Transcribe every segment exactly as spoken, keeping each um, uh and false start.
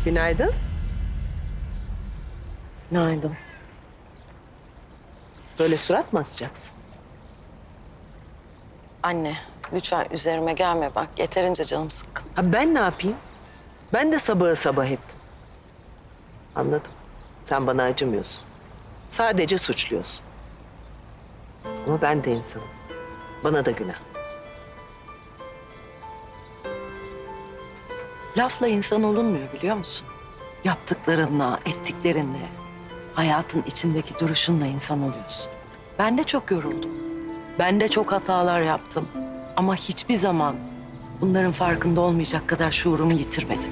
Günaydın. Günaydın. Böyle surat mı asacaksın? Anne, lütfen üzerime gelme bak. Yeterince canım sıkkın. Ha ben ne yapayım? Ben de sabahı sabah ettim. Anladım. Sen bana acımıyorsun. Sadece suçluyorsun. Ama ben de insanım. Bana da günah. Lafla insan olunmuyor biliyor musun? Yaptıklarınla, ettiklerinle, hayatın içindeki duruşunla insan oluyorsun. Ben de çok yoruldum. Ben de çok hatalar yaptım. Ama hiçbir zaman bunların farkında olmayacak kadar şuurumu yitirmedim.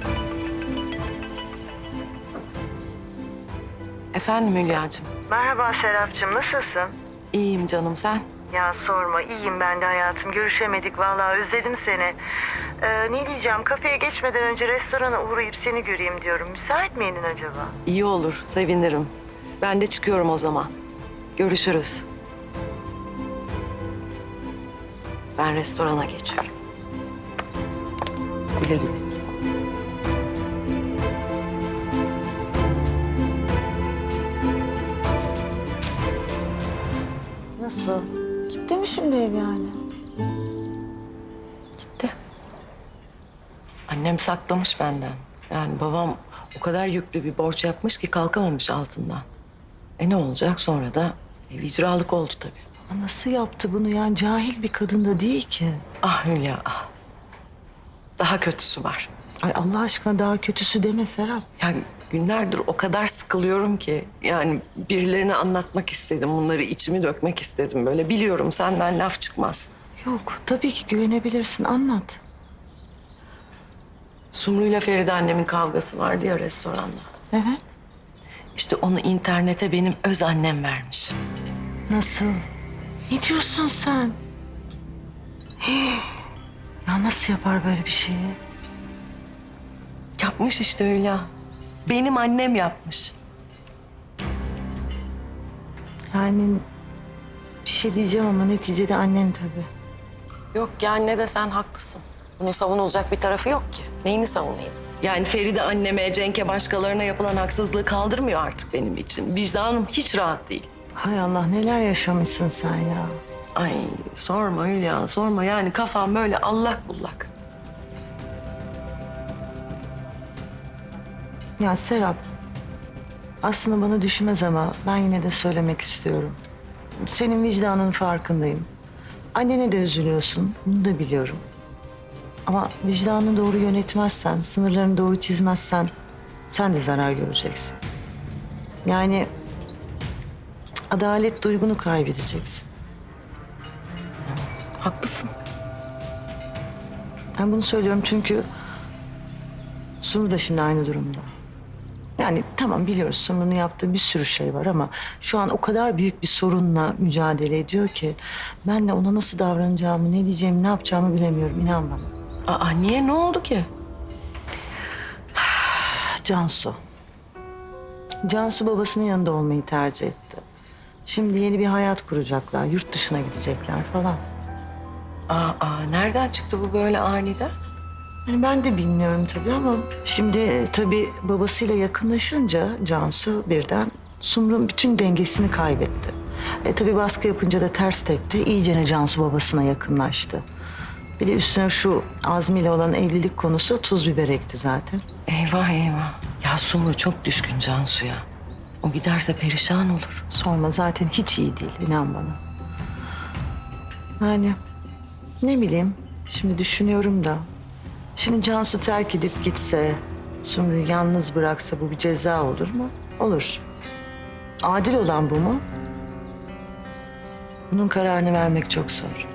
Efendim Hülya'cığım. Merhaba Serapcığım, nasılsın? İyiyim canım, sen? Ya sorma, iyiyim ben de hayatım. Görüşemedik vallahi, özledim seni. Ee, ne diyeceğim, kafeye geçmeden önce restorana uğrayıp seni göreyim diyorum. Müsait miydin acaba? İyi olur, sevinirim. Ben de çıkıyorum o zaman. Görüşürüz. Ben restorana geçiyorum. Güle güle. Nasıl? Gitti mi şimdi ev yani? Gitti. Annem saklamış benden. Yani babam o kadar yüklü bir borç yapmış ki kalkamamış altından. E ne olacak sonra da ev icralık oldu tabii. Ama nasıl yaptı bunu yani? Cahil bir kadın da değil ki. Ah Hülya ah. Daha kötüsü var. Ay Allah aşkına daha kötüsü deme Serap. Yani günlerdir o kadar sıkılıyorum ki yani birilerine anlatmak istedim. Bunları içimi dökmek istedim böyle. Biliyorum senden laf çıkmaz. Yok tabii ki güvenebilirsin, anlat. Sumru'yla Feride annemin kavgası vardı ya restoranda. Evet. İşte onu internete benim öz annem vermiş. Nasıl? Ne diyorsun sen? Hii. Ya nasıl yapar böyle bir şeyi? Yapmış işte Hülya. Benim annem yapmış. Yani bir şey diyeceğim ama neticede annen tabii. Yok ya anne de sen haklısın. Bunun savunulacak bir tarafı yok ki. Neyini savunayım? Yani Feride anneme, Cenk'e, başkalarına yapılan haksızlığı kaldırmıyor artık benim için. Vicdanım hiç rahat değil. Hay Allah neler yaşamışsın sen ya. Ay sorma Hülya, sorma. Yani kafam böyle allak bullak. Ya Serap, aslında bana düşmez ama ben yine de söylemek istiyorum. Senin vicdanının farkındayım. Annene de üzülüyorsun, bunu da biliyorum. Ama vicdanını doğru yönetmezsen, sınırlarını doğru çizmezsen sen de zarar göreceksin. Yani adalet duygunu kaybedeceksin. Haklısın. Ben bunu söylüyorum çünkü Sumru da şimdi aynı durumda. Yani tamam biliyoruz Sumru'nun yaptığı bir sürü şey var ama şu an o kadar büyük bir sorunla mücadele ediyor ki ben de ona nasıl davranacağımı, ne diyeceğimi, ne yapacağımı bilemiyorum, inan bana. Aa niye? Ne oldu ki? Cansu. Cansu babasının yanında olmayı tercih etti. Şimdi yeni bir hayat kuracaklar, yurt dışına gidecekler falan. Aa, aa nereden çıktı bu böyle aniden? Yani ben de bilmiyorum tabii ama şimdi tabii babasıyla yakınlaşınca Cansu birden Sumru'nun bütün dengesini kaybetti. E tabii baskı yapınca da ters tepti. İyicene Cansu babasına yakınlaştı. Bir de üstüne şu Azmi ile olan evlilik konusu tuz biber ekti zaten. Eyvah eyvah. Ya Sumru çok düşkün Cansu'ya. O giderse perişan olur. Sorma zaten hiç iyi değil, inan bana. Yani ne bileyim şimdi düşünüyorum da. Şimdi Cansu terk edip gitse, Sumru'yu yalnız bıraksa bu bir ceza olur mu? Olur. Adil olan bu mu? Bunun kararını vermek çok zor.